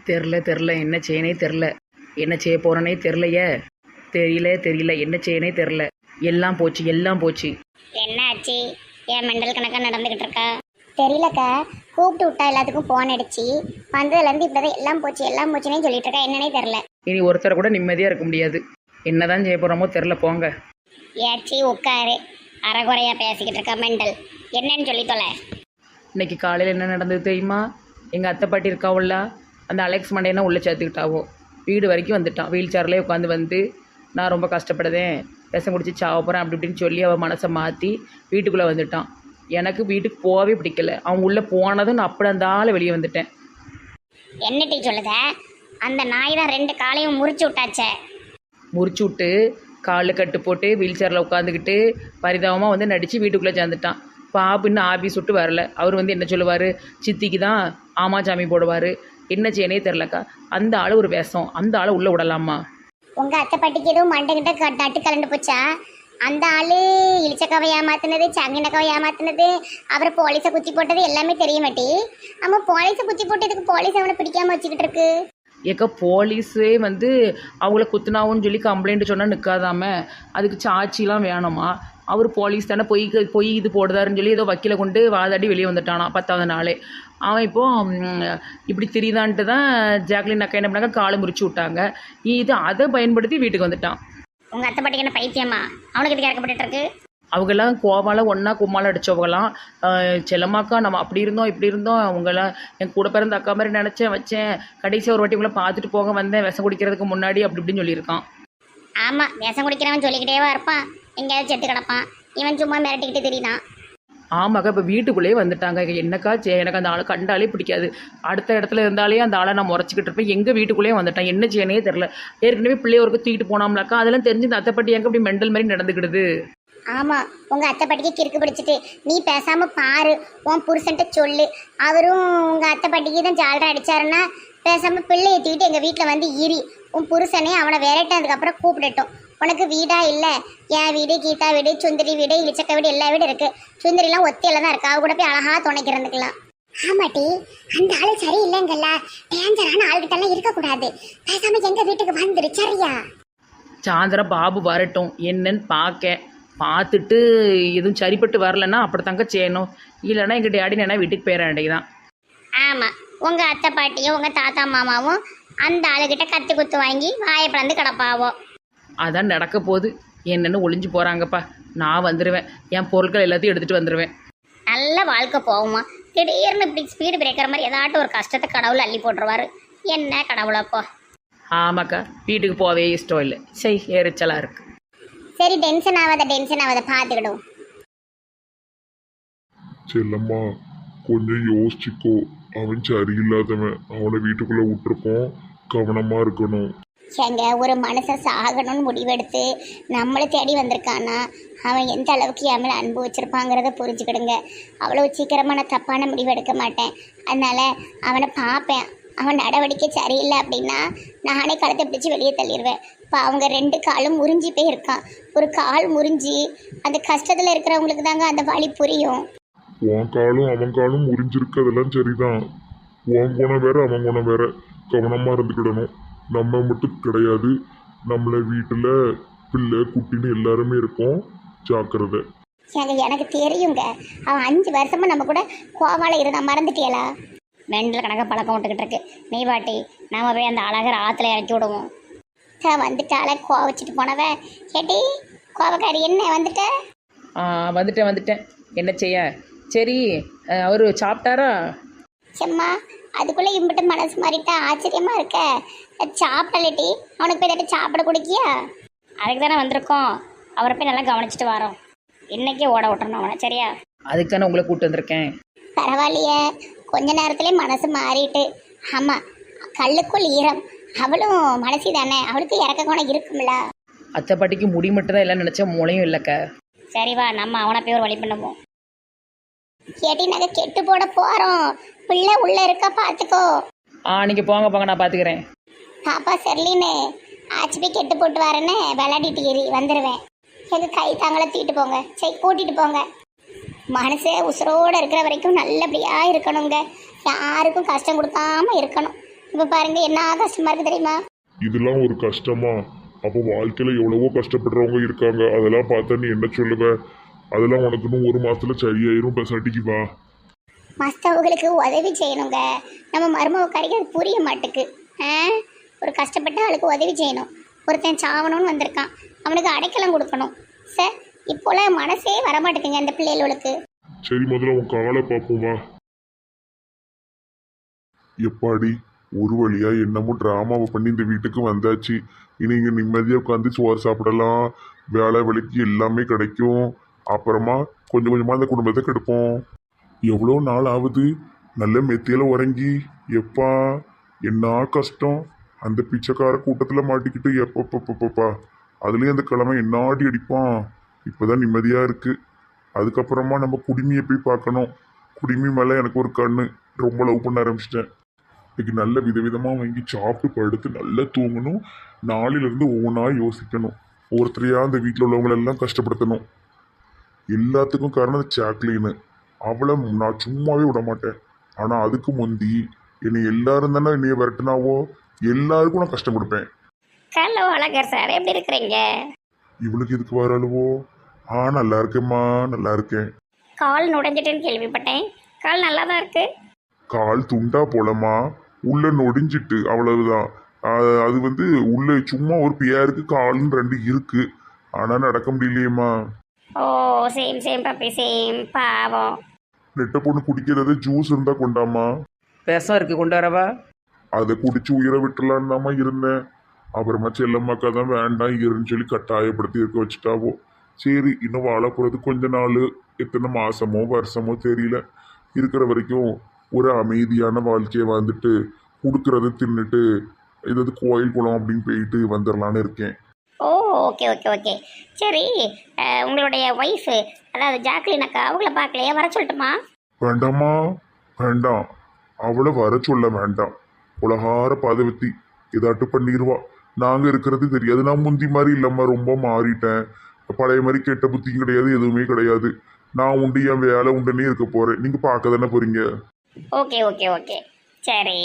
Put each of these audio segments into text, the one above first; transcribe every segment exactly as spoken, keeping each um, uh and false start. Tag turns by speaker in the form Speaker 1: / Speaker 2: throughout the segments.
Speaker 1: தெரில தெரில என்ன செய்யனே தெரில, என்ன செய்ய போகிறனே தெரிலையே, தெரியல தெரியல என்ன செய்யனே தெரில. எல்லாம் போச்சு எல்லாம் போச்சு.
Speaker 2: என்ன ஆச்சு? ஏன் மெண்டல் கணக்காக நடந்துக்கிட்டு இருக்கா? தெரியலக்கா, கூப்பிட்டு விட்டா எல்லாத்துக்கும் போன் அடிச்சு வந்ததுலேருந்து இப்போதான் எல்லாம் போச்சு எல்லாம் போச்சுன்னே சொல்லிட்டு இருக்கா. என்னன்னே தெரில.
Speaker 1: இனி ஒருத்தரை கூட நிம்மதியாக இருக்க முடியாது. என்னதான் செய்ய போகிறோமோ தெரில, போங்க.
Speaker 2: ஏச்சி உட்காரு, அறகுறையா பேசிக்கிட்டு இருக்கா மெண்டல். என்னன்னு சொல்லி தொலை.
Speaker 1: இன்னைக்கு காலையில் என்ன நடந்தது தெரியுமா? எங்கள் அத்தை பாட்டி இருக்காவுல்ல, அந்த அலெக்ஸ் மண்டையனா உள்ளே சேர்த்துக்கிட்டாவோ. வீடு வரைக்கும் வந்துட்டான். வீல் சேர்லேயே உட்காந்து வந்து நான் ரொம்ப கஷ்டப்படுதேன், விஷம் குடிச்சு சாவ போகிறேன் அப்படி இப்படின்னு சொல்லி அவள் மனசை மாற்றி வீட்டுக்குள்ளே வந்துட்டான். எனக்கு வீட்டுக்கு போகவே பிடிக்கல. அவன் உள்ளே போனதும் நான் அப்படி அந்த ஆளை வெளியே வந்துட்டேன்.
Speaker 2: என்னட்டி சொல்லுத? அந்த நாய் தான் ரெண்டு காலையும் முறிச்சு விட்டாச்சே.
Speaker 1: முறிச்சு விட்டு காலில் கட்டு போட்டு வீல் சேரில் உட்காந்துக்கிட்டு பரிதாபமாக வந்து நடித்து வீட்டுக்குள்ளே சேர்ந்துட்டான். பாப்புன்னு ஆபீஸ் விட்டு வரல. அவர் வந்து என்ன சொல்லுவார், சித்திக்கு தான் ஆமாச்சாமி போடுவார். என்ன செய்யனே தெரிலக்கா. அந்த ஆள் ஒரு விஷம், அந்த ஆளை உள்ளே விடலாமா?
Speaker 2: உங்க அத்தை பாட்டிக்கு எதுவும் மண்டைகிட்ட நட்டு கலண்டு போச்சா? அந்த ஆளு இளிச்சக்காவை ஏமாத்தினது, சங்கினக்காவை ஏமாத்தினது, அப்புறம் போலீஸை குத்தி போட்டது எல்லாமே தெரிய மாட்டி. ஆமா, போலீஸை குத்தி போட்டதுக்கு போலீஸ் அவனை பிடிக்காம வச்சுக்கிட்டு இருக்கு.
Speaker 1: ஏக்கா, போலீஸே வந்து அவங்கள குத்துனாவுன்னு சொல்லி கம்ப்ளைண்ட் சொன்னால் நிற்காதாம, அதுக்கு சாட்சிலாம் வேணுமா? அவர் போலீஸ் தானே பொய் பொய் இது போடுதாருன்னு சொல்லி ஏதோ வக்கீலை கொண்டு வாதாடி வெளியே வந்துட்டானா பத்தாவது நாளே. அவன் இப்போது இப்படி தெரியுதான்ட்டு தான் ஜாக்லின் அக்கா என்ன பண்ணாங்க, காலை முறிச்சு விட்டாங்க. இது அதை பயன்படுத்தி வீட்டுக்கு வந்துட்டான்.
Speaker 2: உங்க அத்தை பாட்டிக்கு என்ன பைத்தியமா? அவனுக்கு எதுக்கு இறக்கப்பட்டு இருக்கு?
Speaker 1: அவங்கெல்லாம் கோவால ஒன்றா கும்மால அடித்தவங்களாம். செல்லம்மாக்கா நம்ம அப்படி இருந்தோம் இப்படி இருந்தோம், அவங்களாம் என் கூட பிறந்த அக்கா மாதிரி நினச்சேன் வச்சேன், கடைசி ஒரு வாட்டி உங்களை பார்த்துட்டு போக வந்தேன் விஷம் குடிக்கிறதுக்கு முன்னாடி அப்படி இப்படின்னு சொல்லியிருக்கான்.
Speaker 2: ஆமாம், விஷம் குடிக்கிறவன் சொல்லிக்கிட்டேவா இருப்பான், எங்கேயாவது செத்து கிடப்பான். இவன் சும்மா மிரட்டிக்கிட்டு தெரியுதான்.
Speaker 1: ஆமாக்கா, இப்போ வீட்டுக்குள்ளேயே வந்துட்டாங்க. என்னக்கா சே, எனக்கு அந்த ஆளை கண்டாலே பிடிக்காது. அடுத்த இடத்துல இருந்தாலே அந்த ஆளை நான் முறைச்சிக்கிட்டு இருப்பேன். எங்கள் வீட்டுக்குள்ளேயே வந்துட்டான். என்ன செய்யனே தெரில. ஏற்கனவே பிள்ளையோருக்கு தூக்கிட்டு போனாம்லாக்கா, அதெல்லாம் தெரிஞ்சு இந்த அத்தைப்பட்டி எங்கே அப்படி மெண்டல் மாதிரி நடந்துக்கிடுது.
Speaker 2: ஆமாம், உங்கள் அத்தை பாட்டிக்கு கிறுக்கு பிடிச்சிட்டு நீ பேசாமல் பாரு, உன் புருஷன்ட்ட சொல்லு. அவரும் உங்கள் அத்தை பாட்டிக்கு தான் ஜாலரை அடித்தாருன்னா பேசாமல் பிள்ளையை தூக்கிட்டு எங்கள் வீட்டில் வந்து ஈரி உன் புருஷனே அவனை விரட்டினதுக்கப்புறம் கூப்பிடட்டும். உனக்கு வீடா இல்லை? என் வீடு, கீதா வீடு, சுந்தரி வீடு, இளிச்சக்க வீடு, எல்லா வீடும் இருக்குது. சுந்தரிலாம் ஒத்தையில தான் இருக்கா, அவ கூட போய் அழகாக துணைக்கிறதுக்கலாம். ஆமாட்டி, அந்த ஆளு சரி இல்லைங்கல்ல, டேஞ்சரான ஆள்கிட்டலாம் இருக்கக்கூடாது. பேசாமல் எங்கள் வீட்டுக்கு வந்துரு சரியா?
Speaker 1: சாயந்தரம் பாபு வரட்டும், என்னன்னு பார்க்க. பார்த்துட்டு எதுவும் சரிப்பட்டு வரலன்னா அப்படி தங்க செய்யணும். இல்லைன்னா எங்கள் டேடி என்ன வீட்டுக்கு போயிட வேண்டியதான்.
Speaker 2: ஆமாம், உங்கள் அத்தை பாட்டியும் உங்கள் தாத்தா மாமாவும் அந்த ஆளுகிட்ட கத்தி குத்து வாங்கி வாயை பிளந்து கிடப்பாவோ.
Speaker 1: அதான் நடக்க போகுது. என்னென்னு ஒளிஞ்சு போகிறாங்கப்பா. நான் வந்துடுவேன், என் பொருட்கள் எல்லாத்தையும் எடுத்துகிட்டு வந்துடுவேன்.
Speaker 2: நல்ல வாழ்க்கை போகுமா? திடீர்னு இப்படி ஸ்பீடு பிரேக்கிற மாதிரி ஏதாட்டும் ஒரு கஷ்டத்தை கடவுள் அள்ளி போட்டுருவாரு. என்ன கடவுளப்போ?
Speaker 1: ஆமாக்கா, வீட்டுக்கு போவே இஷ்டம் இல்லை. சரி, எரிச்சலாக இருக்குது.
Speaker 2: சரி, டென்ஷன் ஆகாத டென்ஷன் ஆகாத பார்த்துக்கிடும்.
Speaker 3: செல்லம்மா, கொஞ்சம் யோசிச்சுக்கோ. அவன் சரியில்லாதவன், அவனை வீட்டுக்குள்ளே விட்டுருக்கோம், கவனமாக இருக்கணும்.
Speaker 2: எங்க ஒரு மனுஷன் சாகணும்னு முடிவெடுத்து நம்மளை தேடி வந்திருக்கானா, அவன் எந்த அளவுக்கு என் மேலே அன்பு வச்சுருப்பாங்கிறத புரிஞ்சுக்கிடுங்க. அவ்வளோ சீக்கிரமாக நான் தப்பான முடிவு எடுக்க மாட்டேன். அதனால் அவனை பார்ப்பேன். அவன் நடவடிக்கை சரியில்லை அப்படின்னா நானே கழுத்தை பிடிச்சி வெளியே தள்ளிடுவேன். இப்போ அவங்க ரெண்டு காலும் முறிஞ்சி போயிருக்கான். ஒரு கால் முறிஞ்சி அந்த கஷ்டத்தில் இருக்கிறவங்களுக்கு தாங்க அந்த வலி புரியும்.
Speaker 3: உன் காலும் அவன் காலும் முறிஞ்சிருக்கு, அதெல்லாம் சரிதான். உன் குணம் வேற அவன் குணம் வேற, கவனமாக இருந்துக்கிடணும். நம்ம மட்டும் கிடையாது, நம்மளை வீட்டில் பிள்ளை குட்டின்னு எல்லாருமே இருக்கோம், ஜாக்கிரதை.
Speaker 2: ஏங்க, எனக்கு தெரியுங்க, அவன் அஞ்சு வருஷமா நம்ம கூட கோவால இருந்தான், மறந்துட்டியலா? மெண்டல் கணக்க பழக்கம் விட்டுக்கிட்டு இருக்கு. நீ பாட்டி, நாம போய் அந்த அழகர் ஆற்றுல இறக்கி விடுவோம். வந்துட்டால கோவச்சிட்டு போனவ. கேட்டி கோவக்காரி, என்ன வந்துட்ட?
Speaker 1: ஆ, வந்துட்டேன் வந்துட்டேன். என்ன செய்ய? சரி, அவர் சாப்பிட்டாரா?
Speaker 2: செம்மா, அதுக்குள்ளே இம்பிட்டு மனசு மாறிட்டா ஆச்சரியமா இருக்க. சாப்பிடலட்டி, அவனுக்கு போய் தட்டு சாப்பிட கொடுக்கியா? அதுக்கு தானே வந்திருக்கோம், அவரை போய் நல்லா கவனிச்சுட்டு வரோம். இன்னைக்கே ஓட விட்டுறணும் அவனை, சரியா?
Speaker 1: அதுக்கு தானே உங்களை கூப்பிட்டு வந்திருக்கேன்.
Speaker 2: பரவாயில்லையே, கொஞ்ச நேரத்துலேயே மனசு மாறிட்டு. ஆமாம், கல்லுக்குள் ஈரம். அவளும் மனசு தானே, அவளுக்கு இறக்க குணம் இருக்கும்ல.
Speaker 1: அத்தை பாட்டிக்கு முடி மட்டும் தான் எல்லாம் நினச்சா மூளையும் இல்லைக்க.
Speaker 2: சரி வா, நம்ம அவனை போய் ஒரு வழி பண்ணுவோம். கேட்டி, நாங்கள் கெட்டு போட போகிறோம். பிள்ளை உள்ளே இருக்கா, பார்த்துக்கோ.
Speaker 1: ஆ, நீங்கள் போங்க போங்க, நான் பார்த்துக்கிறேன்.
Speaker 2: பாப்பா செர்லின்னு ஆச்சு போய் கெட்டு போட்டு வரேன்னு விளையாடிட்டு ஏறி வந்துடுவேன். எங்கள் கை தாங்களை தூக்கிட்டு போங்க. சரி, கூட்டிகிட்டு போங்க. மனசே உசுரோடு இருக்கிற வரைக்கும் நல்லபடியாக இருக்கணுங்க. யாருக்கும் கஷ்டம் கொடுக்காம இருக்கணும். இப்போ பாருங்க என்ன கஷ்டமா இருக்கு தெரியுமா?
Speaker 3: இதெல்லாம் ஒரு கஷ்டமா? அப்போ வாழ்க்கையில எவ்வளவோ கஷ்டப்படுறவங்க இருக்காங்க, அதெல்லாம் பார்த்தா நீ என்ன சொல்லுவ? அதெல்லாம் உனக்கு இன்னும் ஒரு மாசத்துல சரியாயிரும், பெசாட்டிக்கு வா.
Speaker 2: மற்றவங்களுக்கு உதவி செய்யணுங்க. நம்ம மருமகக்காரிக்கு அது புரிய மாட்டுக்கு. ஆ ஒரு கஷ்டப்பட்ட ஆளுக்கு உதவி செய்யணும். ஒருத்தன் சாவணும்னு வந்திருக்கான், அவனுக்கு அடைக்கலம் கொடுக்கணும். சார் இப்போலாம் மனசே வரமாட்டேங்குங்க அந்த பிள்ளைகளுக்கு.
Speaker 3: சரி, முதல்ல உன் காலை பார்ப்போம் வா. எப்பாடி ஒரு வழியா என்னமோ டிராமாவை பண்ணி இந்த வீட்டுக்கு வந்தாச்சு. இனி இங்க நிம்மதியா உட்காந்து சோறு சாப்பிடலாம், வேலை வலிக்கு எல்லாமே கிடைக்கும். அப்புறமா கொஞ்சம் கொஞ்சமா அந்த குடும்பத்தை கெடுப்போம். எவ்வளோ நாள் ஆகுது நல்ல மெத்தியில உறங்கி. எப்பா என்ன கஷ்டம் அந்த பிச்சைக்கார கூட்டத்துல மாட்டிக்கிட்டு. எப்பப்பப்பப்பா அதுலயும் அந்த கிழமை என்னாடி அடிப்பான். இப்பதான் நிம்மதியா இருக்கு. அதுக்கப்புறமா நம்ம குடிமியை போய் பார்க்கணும். குடிமி மேல எனக்கு ஒரு கண்ணு, ரொம்ப லவ் பண்ண ஆரம்பிச்சிட்டேன். இன்னைக்கு நல்ல விதவிதமா வாங்கி சாப்பிட்டு படுத்து நல்லா தூங்கணும். நாளிலிருந்து ஒவ்வொன்றா யோசிக்கணும். ஒவ்வொருத்தரையா அந்த வீட்டில் உள்ளவங்களெல்லாம் கஷ்டப்படுத்தணும். எல்லாத்துக்கும் காரணம் அந்த சாக்லீனு. அவளை நான் சும்மாவே விட மாட்டேன். ஆனால் அதுக்கு முந்தி என்னை எல்லாரும் தானே என்னைய விரட்டினாவோ, எல்லாருக்கும் நான் கஷ்டம் கொடுப்பேன்.
Speaker 2: ஹலோ அழகர் சார், எப்படி இருக்கிறீங்க?
Speaker 3: இவளுக்கு இதுக்கு வராளுவோ? ஆ நல்லா இருக்கேம்மா, நல்லா இருக்கேன்.
Speaker 2: கால் நுடைஞ்சிட்டுன்னு கேள்விப்பட்டேன். கால் நல்லா தான் இருக்கு.
Speaker 3: கால் துண்டா போலமா, உள்ள நொடிஞ்சிட்டு அவ்வளவுதான். ஆஹ் அது வந்து உள்ள சும்மா ஒரு பியாருக்கு கால்னு ரெண்டு இருக்கு, ஆனா நடக்க முடியலையேம்மா.
Speaker 2: Oh same same puppy same, பாவம்.
Speaker 3: நெட்ட பொண்ணு குடிக்கிறது ஜூஸ் இருந்தா கொண்டாமா.
Speaker 1: விஷம் இருக்குது கொண்டு வரவா?
Speaker 3: அதை குடிச்சு உயிரை விட்டுலான்னு தாம்மா இருந்தேன். அப்புறமா செல்லம்மாக்கா தான் வேண்டாம் இருன்னு சொல்லி கட்டாயப்படுத்தி இருக்க வச்சுட்டாவோ. சரி, இன்னும் வாழ போகிறது கொஞ்ச நாள், எத்தனை மாசமோ வருஷமோ தெரியல. இருக்கிற வரைக்கும் ஒரு அமைதியான வாழ்க்கையை வந்துட்டு கொடுக்கறத தின்னுட்டு ஏதாவது கோயில் குளம் அப்படின்னு போயிட்டு வந்துடலான்னு இருக்கேன்.
Speaker 2: ஓ ஓகே ஓகே ஓகே சரி. அஹ், உங்களுடைய ஒய்ஃபு அதாவது ஜாக்லின் அக்கா அவங்கள பார்க்கலையா? வர சொல்லட்டுமா?
Speaker 3: வேண்டாமா, வேண்டாம், அவளை வர சொல்ல வேண்டாம். உலகார பதவத்தி ஏதாட்டு பண்ணிடுவா. நாங்கள் இருக்கிறது தெரியாது. நான் முந்தி மாதிரி இல்லைம்மா, ரொம்ப மாறிட்டேன். பழைய மாதிரி கெட்ட புத்தியும் கிடையாது, எதுவுமே கிடையாது. நான் உண்டு என் வேலை உண்டுன்னே இருக்க போகிறேன். நீங்கள் பார்க்க தானே போகிறீங்க.
Speaker 2: ஓகே ஓகே ஓகே சரி.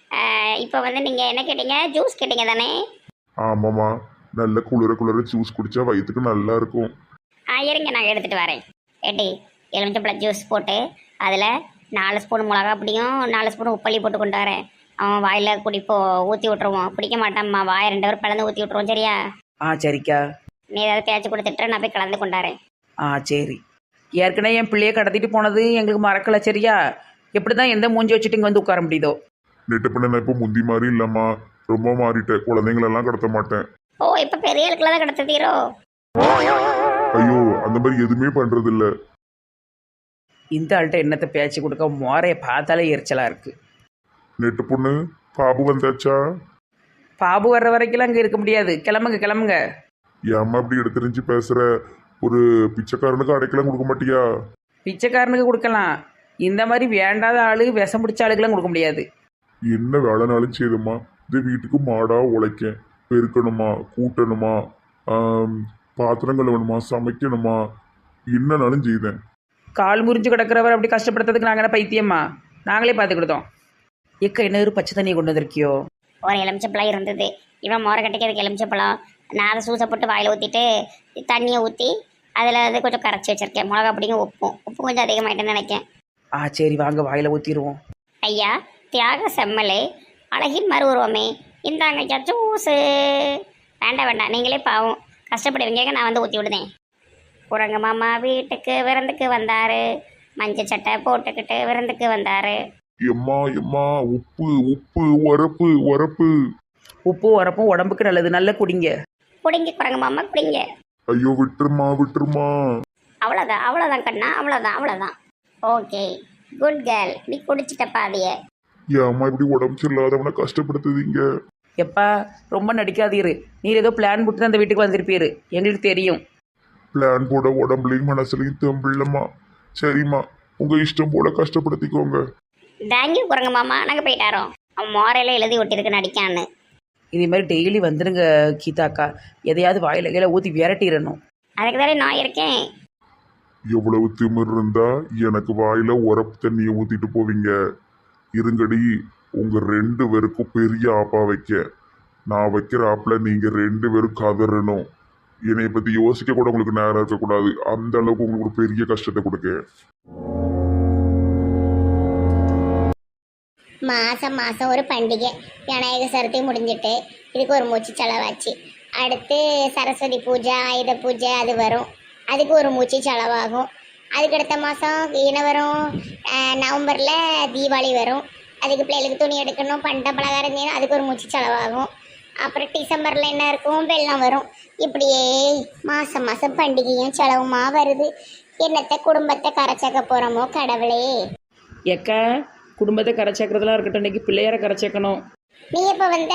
Speaker 2: இப்போ வந்து நீங்கள் என்ன கேட்டீங்க? ஜூஸ் கேட்டீங்க தானே?
Speaker 3: ஆமாம்மா, நல்ல குளிர குளிர ஜூஸ் குடித்தா வயிற்றுக்கு நல்லா இருக்கும்.
Speaker 2: ஆ இருங்க, நான் எடுத்துகிட்டு வரேன். ஏட்டி எலுமிச்சம்பழம் ஜூஸ் போட்டு அதில் நாலு ஸ்பூன் மிளகா பிடிக்கும், நாலு ஸ்பூன் உப்பள்ளி போட்டு கொண்டு வரேன். அவன் வாயில் குடிப்போ ஊற்றி விட்ருவோம். பிடிக்க மாட்டான்மா, வாயை ரெண்டு பேரும் பிளந்து ஊற்றி விட்ருவோம். சரியா?
Speaker 1: ஆ சரிக்கா.
Speaker 2: நீ ஏதாவது தேய்ச்சி கொடுத்துட்டு நான் போய் கலந்து கொண்டாரேன்.
Speaker 1: ஆ சரி. ஏற்கனவே என் பிள்ளையை கடத்திட்டு போனது எங்களுக்கு மறக்கலை. சரியா? எப்படி தான் எந்த மூஞ்சி வச்சுட்டு இங்கே வந்து உட்கார முடியுதோ.
Speaker 3: நெட்ட பண்ண நான் இப்போ முந்தி மாதிரி இல்லைம்மா, ரொம்ப மாறிட்டேன். குழந்தைங்களெல்லாம் கடத்த மாட்டேன்.
Speaker 2: ஓ இப்போ பெரிய ஆளுக்குள்ள தான் கிடத்துதீரோ?
Speaker 3: ஐயோ, அந்த மாதிரி எதுவுமே பண்றது இல்ல.
Speaker 1: இந்த ஆள்கிட்ட என்னத்தை பேச்சு கொடுக்க, மோரையை பார்த்தாலே எரிச்சலாக இருக்குது.
Speaker 3: நெட்டு பொண்ணு பாபு வந்தாச்சா?
Speaker 1: பாபு வர்ற வரைக்கும் அங்கே இருக்க முடியாது. கிளம்புங்க கிளம்புங்க.
Speaker 3: ஏம்மா அப்படி எடுத்துரிஞ்சு பேசுற? ஒரு பிச்சைக்காரனுக்கு அடைக்கலம் கொடுக்க மாட்டியா?
Speaker 1: பிச்சைக்காரனுக்கு கொடுக்கலாம், இந்த மாதிரி வேண்டாத ஆளு விஷம் பிடிச்ச ஆளுக்கெல்லாம் கொடுக்க முடியாது.
Speaker 3: என்ன வேலைனாலும் செய்யுதும்மா. இந்த வீட்டுக்கு மாடா உழைக்க, பெருக்கணுமா, கூட்டணுமா, ஆம், பாத்திரம் கழுவணுமா, சமைக்கணுமா, என்னனாலும் செய்தேன்.
Speaker 1: கால் முறிஞ்சு கிடக்கிறவர் அப்படி கஷ்டப்படுறதுக்கு நாங்கள் என்ன பைத்தியம்மா? நாங்களே பார்த்துக்கிட்டோம். எக்க என்ன ஒரு பச்சை தண்ணியை கொண்டு வந்திருக்கியோ?
Speaker 2: ஒரு எலுமிச்சப்பழம் இருந்தது. இவன் மோரை கட்டிக்கிறதுக்கு எலுமிச்சப்பழம். நான் அதை சூசை போட்டு வாயில் ஊற்றிட்டு தண்ணியை ஊற்றி அதில் வந்து கொஞ்சம் கரைச்சி வச்சுருக்கேன். மிளகா பிடிக்கும், உப்பும் உப்பு கொஞ்சம் அதிகமாகிட்டேன்னு நினைக்கேன்.
Speaker 1: ஆ சரி, வாங்க வாயில் ஊற்றிடுவோம்.
Speaker 2: ஐயா தியாக செம்மலே, அழகின் மறு உருவமே, இந்தாங்க ஐயா ஜூஸு. வேண்டாம் வேண்டாம், நீங்களே பாவம் கஷ்டப்படுவீங்க, நான் வந்து ஊற்றி விடுதேன். குரங்கு மாமா வீட்டுக்கு விருந்துக்கு வந்தார், மஞ்சள் சட்டை போட்டுக்கிட்டு விருந்துக்கு வந்தார்.
Speaker 3: எம்மா எம்மா, உப்பு உப்பு உரப்பு உரப்பு.
Speaker 1: உப்பு உரப்பும் உடம்புக்கு நல்லது, நல்ல குடிங்க.
Speaker 2: குடிங்க குரங்கு மாமா குடிங்க.
Speaker 3: ஐயோ விட்டுருமா விட்டுருமா.
Speaker 2: அவ்வளோதான் அவ்வளோதான் கண்ணா, அவ்வளோதான் அவ்வளோதான். ஓகே குட் கேர்ள், நீ குடிச்சிட்ட பாதிய.
Speaker 3: ஏம்மா இப்படி உடம்பு சரியில்லாதவனை கஷ்டப்படுத்துதீங்க.
Speaker 1: எப்பா ரொம்ப நடிக்காதீரு. நீர் ஏதோ பிளான் போட்டு தான் அந்த வீட்டுக்கு வந்திருப்பீரு, எங்களுக்கு தெரியும்.
Speaker 3: பிளான் போட உடம்புலையும் மனசுலையும் தெம்பிள்ளம்மா. சரிம்மா, உங்க இஷ்டம் போல கஷ்டப்படுத்திக்கோங்க.
Speaker 2: தேங்க்யூ குரங்கு மாமா, நாங்கள் போயிட்டாரோம். அவன் மோரையில எழுதி ஒட்டியிருக்கு நடிக்கான்னு.
Speaker 1: இதே மாதிரி டெய்லி வந்துடுங்க கீதாக்கா, எதையாவது வாயில கையில் ஊற்றி விரட்டிடணும்.
Speaker 2: அதுக்கு தானே நான் இருக்கேன்.
Speaker 3: எவ்வளவு திமிர் இருந்தா எனக்கு வாயில உரப்பு தண்ணியை ஊத்திட்டு போவீங்க? இருங்கடி, உங்க ரெண்டு பேருக்கும் பெரிய ஆப்பா வைக்க. நான் வைக்கிற ஆப்பில் நீங்க ரெண்டு பேரும் கதறணும். என்னைய பத்தி யோசிக்க கூட உங்களுக்கு நேரம் இருக்கக்கூடாது. அந்த அளவுக்கு உங்களுக்கு ஒரு பெரிய கஷ்டத்தை கொடுக்க.
Speaker 2: மாதம் மாதம் ஒரு பண்டிகை விநாயக சதுர்த்தி முடிஞ்சிட்டு இதுக்கு ஒரு மூச்சு செலவாச்சு. அடுத்து சரஸ்வதி பூஜை ஆயுத பூஜை அது வரும், அதுக்கு ஒரு மூச்சு செலவாகும். அதுக்கு அடுத்த மாதம் என்ன வரும், நவம்பரில் தீபாவளி வரும், அதுக்கு பிள்ளைகளுக்கு துணி எடுக்கணும், பண்ட பலகாரம் செய்யணும், அதுக்கு ஒரு மூச்சு செலவாகும். அப்புறம் டிசம்பரில் என்ன இருக்கும், வெள்ளம் வரும். இப்படியே மாதம் மாதம் பண்டிகையும் செலவுமா வருது. என்னத்தை குடும்பத்தை கரைச்சக்க போகிறோமோ கடவுளே.
Speaker 1: எக்க குடும்பத்தை கரை சேர்க்கறதுலாம் இருக்கட்டும், இன்றைக்கி பிள்ளையார கரை சேர்க்கணும்.
Speaker 2: நீ எப்போ வந்த?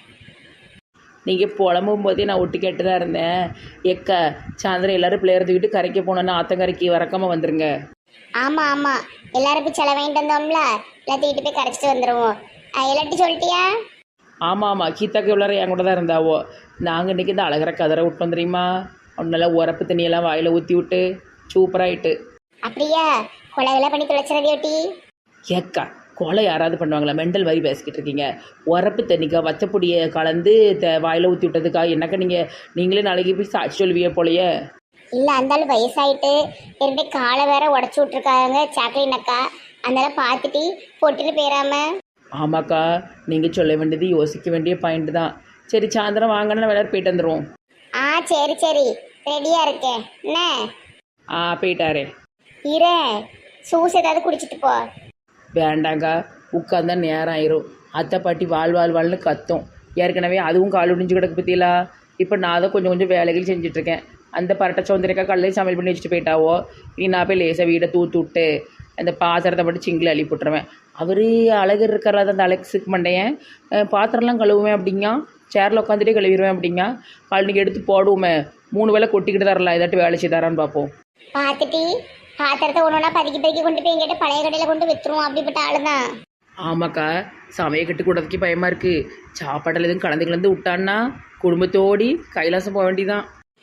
Speaker 1: நீங்கள் புலம்பும் போதே நான் ஒட்டு கேட்டு தான் இருந்தேன். எக்க சாயந்தரம் எல்லோரும் பிள்ளையார தூக்கிட்டு கரைக்க போனோன்னா ஆத்தங்கரைக்கு வரக்காமல் வந்துருங்க.
Speaker 2: ஆமாம் ஆமாம், எல்லாரும் போய் செலவு வாங்கிட்டு வந்தோம்ல, எல்லாத்தையும் போய் கரைச்சிட்டு வந்துடுவோம். எல்லாத்தையும் சொல்லிட்டியா?
Speaker 1: ஆமாம் ஆமாம், கீதாக்கு எவ்வளோ என் கூட தான் இருந்தாவோ. நாங்கள் இன்றைக்கி இந்த அழகிற கதரை விட்டோம் தெரியுமா, நல்லா உரப்பு தண்ணியெல்லாம் வாயில் ஊற்றி விட்டு சூப்பராகிட்டு.
Speaker 2: அப்படியா? கொலைவெல்லாம் பண்ணி தொலைச்சிடறதே ஒட்டி.
Speaker 1: ஏக்கா கொலை யாராவது பண்ணுவாங்களா? மெண்டல் மாதிரி பேசிக்கிட்டு இருக்கீங்க. உரப்பு தண்ணிக்கா வச்சப்பொடியை கலந்து த வாயில் ஊற்றி விட்டதுக்கா என்னக்கா நீங்கள் நீங்களே நாளைக்கு போய் சாட்சி சொல்லுவீங்க போலையே.
Speaker 2: இல்லை, அந்தாலும் வயசாயிட்டு இரண்டு காலை வேற உடச்சி விட்ருக்காங்க சாக்லேட் அக்கா, அதனால பார்த்துட்டு போட்டுட்டு போயிடாம.
Speaker 1: ஆமாக்கா, நீங்கள் சொல்ல வேண்டியது யோசிக்க வேண்டிய பாயிண்ட் தான். சரி சாயந்தரம் வாங்கன்னு விளையாட போயிட்டு வந்துடுவோம்.
Speaker 2: ஆ சரி சரி, ரெடியாக இருக்கேன். என்ன
Speaker 1: ஆ போயிட்டாரே.
Speaker 2: இரு, சூஸ் ஏதாவது குடிச்சிட்டு போ.
Speaker 1: வேண்டாங்க்கா, உட்காந்தா நேரம் ஆயிரும். அத்தை பாட்டி வாழ் வாழ் வாழ்னு கத்தும். ஏற்கனவே அதுவும் கால் ஒடிஞ்சு கிடக்கு பற்றியலா. இப்போ நான் தான் கொஞ்சம் கொஞ்சம் வேலைகள் செஞ்சிட்ருக்கேன். அந்த பரட்டை சோந்தரிக்கா கல்லையும் சமையல் பண்ணி வச்சுட்டு போயிட்டாவோ. இனி நான் போய் லேசாக வீடை தூத்து விட்டு அந்த பாத்திரத்தை மட்டும் சிங்கில் அள்ளி போட்டுருவேன். அவர் அழகர் இருக்கிறாத அந்த அலெக்ஸுக்கு மண்டையன் பாத்திரம்லாம் கழுவுவேன் அப்படிங்க, சேரில் உட்காந்துட்டே கழுவிடுவேன் அப்படிங்க. கழனிக்கு எடுத்து போடுவோமே, மூணு வேலை கொட்டிக்கிட்டு தரலாம், ஏதாட்டு வேலை செய்தாரான்னு பார்ப்போம்.
Speaker 2: பார்த்துட்டு பாத்திரத்தை ஒன்று ஒன்றா பதுக்கி பதுக்கி கொண்டு போய் எங்கிட்ட பழைய கடையில் கொண்டு விற்றுருவோம். அப்படிப்பட்ட ஆளு தான்.
Speaker 1: ஆமாக்கா, சமையல் கட்டு கூடதுக்கு பயமாக இருக்குது. சாப்பாட்டில் எதுவும் கலந்து கலந்து விட்டான்னா குடும்பத்தோடி கைலாசம் போக வேண்டியதான்.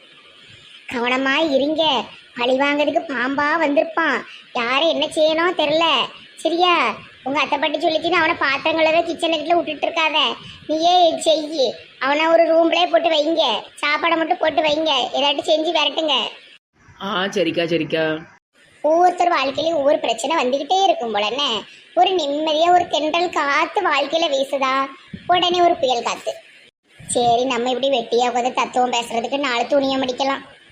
Speaker 2: கவனமா இருங்க, பழி வாங்கிறதுக்கு பாம்பா வந்திருப்பான். யாரை என்ன செய்யணும் தெரில. சரியா? உங்க அத்தை பாட்டி சொல்லிச்சுன்னு அவனை பாத்திரங்களவே கிச்சனுக்குள்ள விட்டுட்டு இருக்காத. நீயே செய்யி, அவனை ஒரு ரூம்லேயே போட்டு வைங்க, சாப்பாடை மட்டும் போட்டு வைங்க, ஏதாட்டும் செஞ்சு விரட்டுங்க.
Speaker 1: ஆ சரிக்கா சரிக்கா.
Speaker 2: ஒவ்வொருத்தர் வாழ்க்கையிலையும் ஒவ்வொரு பிரச்சனை வந்துக்கிட்டே இருக்கும் போல. என்ன ஒரு நிம்மதியாக ஒரு தென்றல் காற்று வாழ்க்கையில் வீசுதா, உடனே ஒரு புயல் காற்று. சரி, நம்ம இப்படி வெட்டியாக உட்காந்து தத்துவம் பேசுறதுக்கு நாலு துணியை முடிக்கலாம்.